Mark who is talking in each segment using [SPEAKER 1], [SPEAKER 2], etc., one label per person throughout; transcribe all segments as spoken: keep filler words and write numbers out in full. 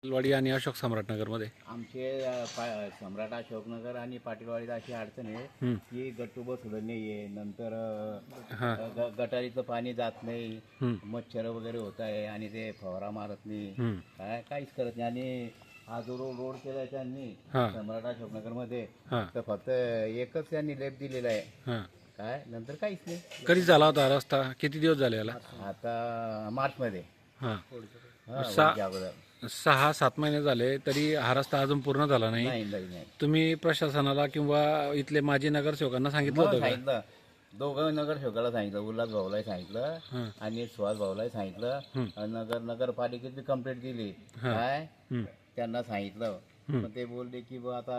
[SPEAKER 1] वाडी आणि अशोक सम्राटनगरमध्ये
[SPEAKER 2] आमचे अ, पा- सम्राट अशोकनगर आणि पाटीलवाडीत अशी अडचण आहे की गट्टू बसवलं नाही आहे. नंतर
[SPEAKER 1] हां.
[SPEAKER 2] अ, ग- गटारीचं पाणी जात नाही,
[SPEAKER 1] हं.
[SPEAKER 2] मच्छर वगैरे होत आहे आणि ते फवारा मारत नाही,
[SPEAKER 1] हं.
[SPEAKER 2] काय काहीच करत नाही. आणि हा जो रोड रोड केलाय त्यांनी
[SPEAKER 1] हां.
[SPEAKER 2] सम्राट अशोकनगरमध्ये,
[SPEAKER 1] हां.
[SPEAKER 2] तर फक्त एकच त्यांनी लेप दिलेला आहे,
[SPEAKER 1] हां.
[SPEAKER 2] काय नंतर काहीच नाही.
[SPEAKER 1] कधी झाला होता हा रस्ता? किती दिवस झाले याला?
[SPEAKER 2] आता मार्चमध्ये
[SPEAKER 1] हां.
[SPEAKER 2] हा,
[SPEAKER 1] सा-
[SPEAKER 2] वरच्या अगोदर
[SPEAKER 1] सहा सात महिने झाले तरी हा रस्ता अजून पूर्ण झाला नाही.
[SPEAKER 2] नाही नाही नाही
[SPEAKER 1] तुम्ही प्रशासनाला किंवा इथले माजी नगरसेवकांना सांगितलं
[SPEAKER 2] मग
[SPEAKER 1] होतं का?
[SPEAKER 2] सांगितलं, दोघं नगरसेवकाला सांगितलं, उल्हास भाऊलाही सांगितलं
[SPEAKER 1] हं.
[SPEAKER 2] आणि सुहास भाऊलाही सांगितलं.
[SPEAKER 1] हं.
[SPEAKER 2] आणि नगर नगरपालिकेत बी कंप्लेंट दिली,
[SPEAKER 1] हं.
[SPEAKER 2] काय
[SPEAKER 1] हं.
[SPEAKER 2] त्यांना सांगितलं.
[SPEAKER 1] हं.
[SPEAKER 2] पण ते बोलले की बा आता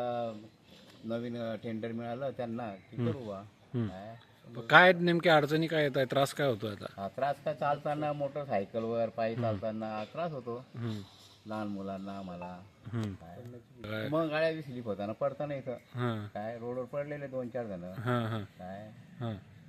[SPEAKER 2] नवीन टेंडर मिळालं त्यांना की करू बा.
[SPEAKER 1] हं.
[SPEAKER 2] काय
[SPEAKER 1] काय नेमक्या अडचणी काय येत आहे? त्रास काय होतो आता?
[SPEAKER 2] हा त्रास काय, चालताना मोटरसायकलवर पायी चालताना त्रास होतो
[SPEAKER 1] हं.
[SPEAKER 2] लहान मुलांना, मला.
[SPEAKER 1] हं.
[SPEAKER 2] काय
[SPEAKER 1] काय?
[SPEAKER 2] मग गाड्या बी स्लिप होताना पडताना इथं,
[SPEAKER 1] हां.
[SPEAKER 2] काय रोडवर पडलेले दोन चार जण,
[SPEAKER 1] हां. हां.
[SPEAKER 2] काय
[SPEAKER 1] हां.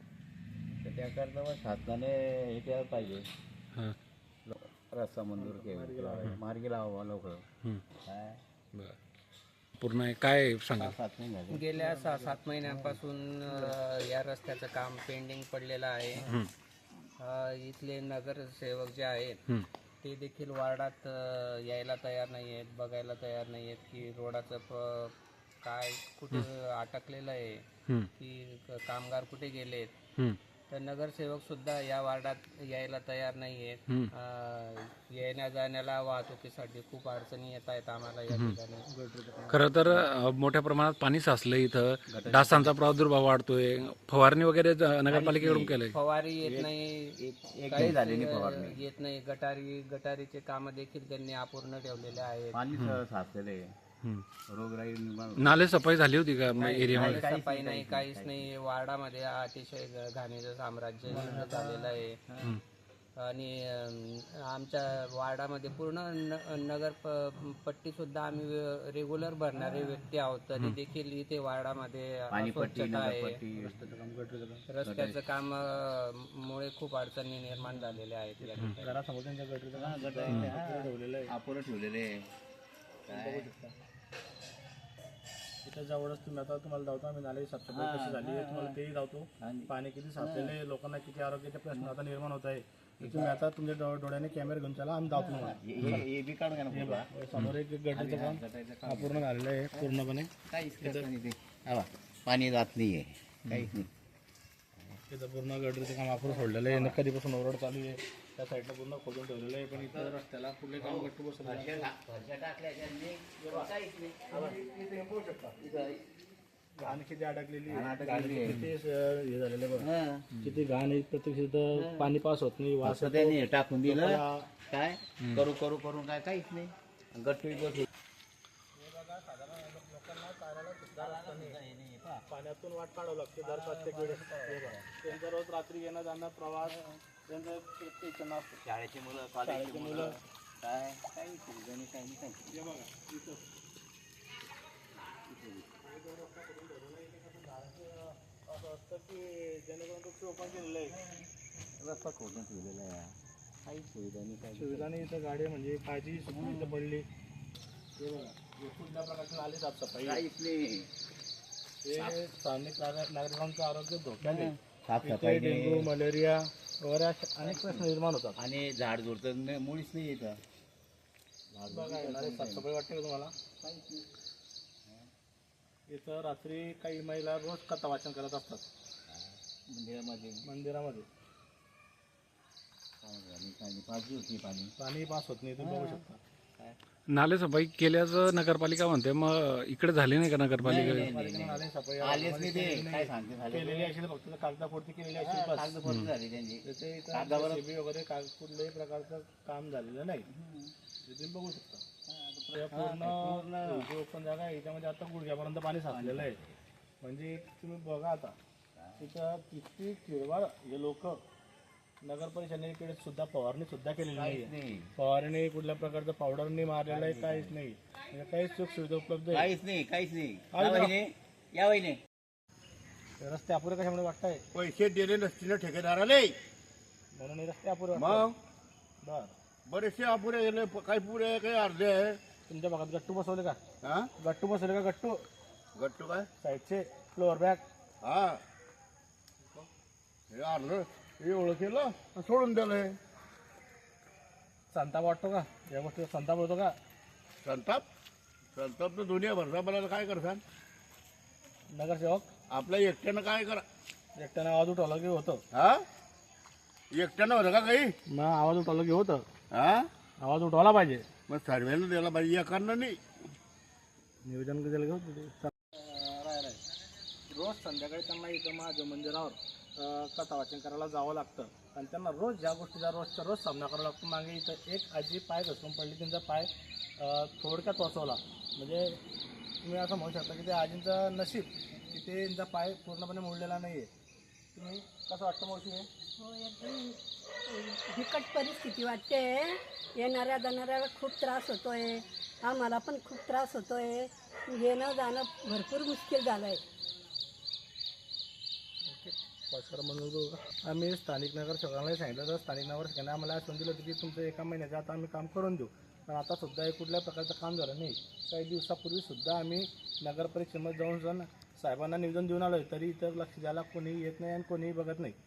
[SPEAKER 2] तर त्याकरता मग शासनाने हे केलं पाहिजे,
[SPEAKER 1] हां.
[SPEAKER 2] रस्ता मंजूर केला, मार्गी लावा लवकर.
[SPEAKER 1] हं.
[SPEAKER 2] काय
[SPEAKER 1] बरं. पूर्ण आहे. काय सांगा?
[SPEAKER 2] सात नाही झाले.
[SPEAKER 3] गेल्या सहा सात महिन्यांपासून अ, या रस्त्याचं काम पेंडिंग पडलेलं आहे.
[SPEAKER 1] हं.
[SPEAKER 3] अ, इथले नगरसेवक जे आहेत
[SPEAKER 1] हं.
[SPEAKER 3] ते देखील वार्डात अ, यायला तयार नाही आहेत, बघायला तयार नाही आहेत की रोडाचं प काय कुठे अटकलेलं आहे,
[SPEAKER 1] हं.
[SPEAKER 3] की क- कामगार कुठे गेलेत.
[SPEAKER 1] हं.
[SPEAKER 3] तर नगरसेवक सुद्धा या वार्डात यायला तयार नाही आहेत.
[SPEAKER 1] हं.
[SPEAKER 3] अ, येण्या जाण्याला वाहतुकीसाठी खूप अडचणी येत आहेत आम्हाला या ठिकाणी.
[SPEAKER 1] खरं तर अ, मोठ्या प्रमाणात पाणी साचलं इथं. डासांचा प्रादुर्भाव वाढतोय. फवारणी वगैरे ज- नगरपालिकेकडून केलंय.
[SPEAKER 3] फवारी येत नाही,
[SPEAKER 2] एकही
[SPEAKER 3] काहीच
[SPEAKER 2] झाली नाही फवारणी.
[SPEAKER 3] येत नाही. गटारी गटारीचे काम देखील त्यांनी अपूर्ण ठेवलेले आहेत.
[SPEAKER 2] पाणी साचलेले,
[SPEAKER 1] हं.
[SPEAKER 2] रोगराई निर्माण होते.
[SPEAKER 1] नाले सफाई झाली होती का एरियामध्ये?
[SPEAKER 3] काही सफाई नाही, काहीच नाही. वार्डामध्ये अतिशय घ- घाणीचं साम्राज्य झालेलं आहे.
[SPEAKER 1] हं.
[SPEAKER 3] आणि अं, आमच्या वार्डामध्ये पूर्ण न- नगर प- पट्टी सुद्धा आम्ही रेग्युलर भरणारे व्यक्ती आहोत, तरी देखील इथे वार्डामध्ये
[SPEAKER 2] पाणीपट्टी,
[SPEAKER 3] अस्वच्छता आहे.
[SPEAKER 2] नगरपट्टी,
[SPEAKER 3] रस्त्याचं काम अं, मुळे खूप अडचणी निर्माण झालेल्या आहेत या ठिकाणी.
[SPEAKER 2] अपुरं ठेवलेले आहे. काय
[SPEAKER 4] इथं जवळच तुम्ही आता तुम्हाला धावतो आम्ही नाले साफसफाई कशी झाली आहे तुम्हाला तेही धावतो. पाणी किती साचलेले, लोकांना किती आरोग्याचे प्रश्न आता निर्माण होत आहे. तुम्ही आता तुमच्या डो- डोळ्याने कॅमेरा घेऊन चला, आम्ही धावतो तुम्हाला.
[SPEAKER 2] हे- हे हे बी काढून घ्या ना पुढं.
[SPEAKER 4] समोर एक गटरीचं काम अपूर्ण झालेलं आहे पूर्णपणे.
[SPEAKER 2] काहीच करत नाही ते. हा बा, पाणी जात नाहीये, काहीच नाही.
[SPEAKER 4] तिथं पूर्ण गटरीचं काम अपूर्ण सोडलेलं आहे. कधीपासून ओरड चालू आहे, त्या साईडला पूर्ण खोदून ठेवलेलं आहे. पण इथं रस्त्याला पुढे काम गट्टू बसवलं आहे. घाण किती अडकलेली आहे.
[SPEAKER 2] अडकलेली आहे.
[SPEAKER 4] किती अं, हे झालेलं आहे बघा.
[SPEAKER 2] हा.
[SPEAKER 4] किती घाण आहे. प्रत्यक्ष इथं पाणी पास होत नाही, वास
[SPEAKER 2] असं
[SPEAKER 4] येतो.
[SPEAKER 2] त्यांनी हे टाकून दिलं,
[SPEAKER 4] लोकांना
[SPEAKER 2] काय करू करू करून काय काहीच नाही. गट्टू बसू.
[SPEAKER 4] पाण्यातून वाट काढावं लागते दर प्रत्येक वेळेस. त्यांचा रोज रात्री येणं जाणं प्रवास त्यांचं प्रत्येक जण असतो.
[SPEAKER 2] शाळेची मुलं, कॉलेजची मुलं, काय काही सुविधा नाही, काही नाही, काही
[SPEAKER 4] हे बघा इथं असं असतं की जेणेकरून तो ते ओपन केलेलं आहे.
[SPEAKER 2] नाही. रस्ता खोदून ठेवलेला आहे, काही सुविधा नाही, काही
[SPEAKER 4] सुविधा नाही. इथं गाडी म्हणजे काळजी सुद्धा इथं पडली. हे बघा हे कुठल्या प्रकारची नाली साफसफाई आहे.
[SPEAKER 2] काहीच नाही.
[SPEAKER 4] हे स्थानिक नागरिक- नागरिकांचं आरोग्य धोक्यात आहे. इथे
[SPEAKER 2] साफसफाई
[SPEAKER 4] डेंग्यू,
[SPEAKER 2] नाही
[SPEAKER 4] मलेरिया वगैरे असे अनेक प्रश्न निर्माण होतात.
[SPEAKER 2] आणि झाड झुड तर नाही- मुळीच नाही इथं.
[SPEAKER 4] बघा येणारे साफसफाई वाटते का तुम्हाला? इथं रात्री काही महिला रोज कथा वाचन करत असतात
[SPEAKER 2] मंदिरामध्ये
[SPEAKER 4] मंदिरामध्ये.
[SPEAKER 2] काय झालं, काय नाही, पाजली होती पाणी.
[SPEAKER 4] पाणी पास होत नाही, तुम्ही बघू शकता.
[SPEAKER 2] काय
[SPEAKER 1] नाले सफाई केल्याचं नगरपालिका म्हणते, मग इकडे झाली नाही का नगरपालिका?
[SPEAKER 2] नाही, नाही,
[SPEAKER 4] पालिकेने आले सफाई
[SPEAKER 2] आलेच नाही ते, काय सांगते झाले
[SPEAKER 4] केलेली असेल, फक्त कागदापुरती केलेली असेल बस.
[SPEAKER 2] कागदपत्र झाली त्यांची.
[SPEAKER 4] त्याचे इथं
[SPEAKER 2] कागदावर-
[SPEAKER 4] जेसीबी वगैरे काग कुठल्याही प्रकारचं काम झालेलं नाही. ते तुम्ही बघू शकता. या पूर्ण जो ओपन जागा आहे याच्यामध्ये आता गुडघ्यापर्यंत पाणी साचलेलं आहे. म्हणजे तुम्ही बघा आता तिथं किती किरवाळ हे लोक नगर परिषदेकडे सुद्धा फवारणी सुद्धा केलेली नाही.
[SPEAKER 2] नाही,
[SPEAKER 4] फवारणी कुठल्या प्रकारचं पावडरनी मारलेलं आहे, काहीच नाही. म्हणजे काहीच सुख सुविधा उपलब्ध आहे.
[SPEAKER 2] काहीच नाही, काहीच नाही.
[SPEAKER 4] काय
[SPEAKER 2] या
[SPEAKER 4] बरं?
[SPEAKER 2] वहिनी, या वहिनी.
[SPEAKER 4] रस्ते अपुरे कशामुळे वाटताय?
[SPEAKER 5] पैसे दिले नसतील ठेकेदाराले,
[SPEAKER 4] म्हणून हे रस्ते अपुरे
[SPEAKER 5] मग
[SPEAKER 4] वाटतात. बर
[SPEAKER 5] बरेचसे अपुरे गेले प- काही पुरे आहे, काही अर्धे आहे.
[SPEAKER 4] तुमच्या भागात गट्टू बसवले का?
[SPEAKER 5] हा
[SPEAKER 4] गट्टू बसवले का? गट्टू
[SPEAKER 5] गट्टू काय
[SPEAKER 4] साईडचे फ्लोअर बॅग
[SPEAKER 5] हा हे अर्ध हे ओळखेलं आणि सोडून दिलंय.
[SPEAKER 4] संताप वाटतो का या गोष्टीचा? संताप होतो का?
[SPEAKER 5] संताप संताप तर दुनिया भरसा मला काय करसान.
[SPEAKER 4] नगरसेवक
[SPEAKER 5] आपल्या एकट्यानं काय करा.
[SPEAKER 4] एकट्यानं आवाज उठवला की होतं.
[SPEAKER 5] हा एकट्यानं होतं का काही.
[SPEAKER 4] मग आवाज उठवला की होतं.
[SPEAKER 5] हा
[SPEAKER 4] आवाज उठवला पाहिजे.
[SPEAKER 5] मग सर्वेनं द्यायला पाहिजे एकानं नाही.
[SPEAKER 4] नियोजन केलं की होतं. रोज संध्याकाळी त्यांना इथं महादेव मंदिरावर अं, कथा वाचन करायला जावं लागतं आणि त्यांना रोज ज्या गोष्टीचा रोजच्या रोज सामना करावा लागतो. मागे इथं एक आजी पाय घसरून पडली, त्यांचा पाय अं, थोडक्यात वाचवला. म्हणजे तुम्ही असं म्हणू शकता की ते आजींचं नशीब की ते त्यांचा पाय पूर्णपणे मोडलेला नाही आहे. तुम्ही कसं वाटतं मावशी हे?
[SPEAKER 6] हो एकदम बिकट परिस्थिती वाटते. येणाऱ्या जाणाऱ्याला खूप त्रास होतोय, आम्हाला पण खूप त्रास होतोय. येणं जाणं भरपूर मुश्किल झालं आहे.
[SPEAKER 4] पाचकर म्हणून बघू का? आम्ही स्थानिक नगरसेवकांनाही सांगितलं तर स्थानिक नगरसेवकांनी आम्हाला आश्वासन दिलं होतं की तुमचं एका महिन्याच्या आता आम्ही काम करून देऊ. पण आता सुद्धा हे कुठल्या प्रकारचं काम झालं नाही. काही दिवसापूर्वी सुद्धा आम्ही नगर परिषदेमध्ये जाऊन जाऊन साहेबांना निवेदन देऊन आलो, तरी इतर लक्ष द्यायला कोणीही येत नाही आणि कोणीही बघत नाही.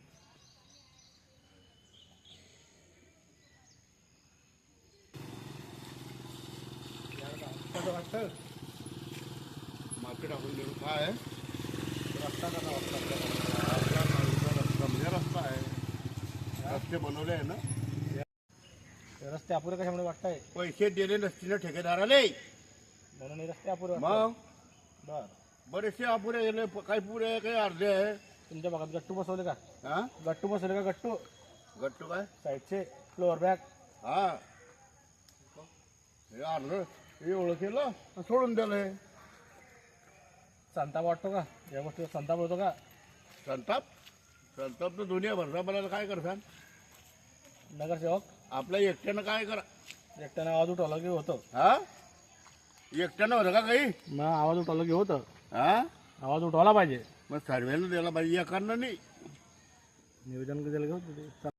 [SPEAKER 4] कसं वाटतं?
[SPEAKER 5] माती टाकून देऊ काय आहे?
[SPEAKER 4] रस्ता कसा वाटतं आपल्याला?
[SPEAKER 5] आपला माणूसचा रस्ता म्हणजे रस्ता आहे. रस्ते बनवले आहे ना.
[SPEAKER 4] हे रस्ते अपुरे कशामुळे वाटताय?
[SPEAKER 5] पैसे दिले नसतील ठेकेदाराले
[SPEAKER 4] म्हणून हे रस्ते अपुरे वाटताय.
[SPEAKER 5] मग
[SPEAKER 4] बरं.
[SPEAKER 5] बरेचसे अपुरे गेले प- काही पुरे आहे, काही अर्धे आहे.
[SPEAKER 4] तुमच्या भागात गट्टू बसवले का?
[SPEAKER 5] हा
[SPEAKER 4] गट्टू बसवले का? गट्टू
[SPEAKER 5] गट्टू काय
[SPEAKER 4] साईडचे फ्लोअर बॅग
[SPEAKER 5] हा हे अर्ध हे ओळखेलं आणि सोडून दिलंय.
[SPEAKER 4] संताप वाटतो का या गोष्टीचा? संताप होतो का?
[SPEAKER 5] संताप संताप तर दुनिया भरसा मला काय करसान.
[SPEAKER 4] नगरसेवक
[SPEAKER 5] आपल्या एकट्यानं काय करा.
[SPEAKER 4] एकट्यानं आवाज उठवला की होतं.
[SPEAKER 5] हा एकट्यानं होतं का काही.
[SPEAKER 4] मग आवाज उठवला की होतं.
[SPEAKER 5] हा
[SPEAKER 4] आवाज उठवला पाहिजे.
[SPEAKER 5] मग सर्वेनं द्यायला पाहिजे एकानं नाही.
[SPEAKER 4] नियोजन केलं की होतं.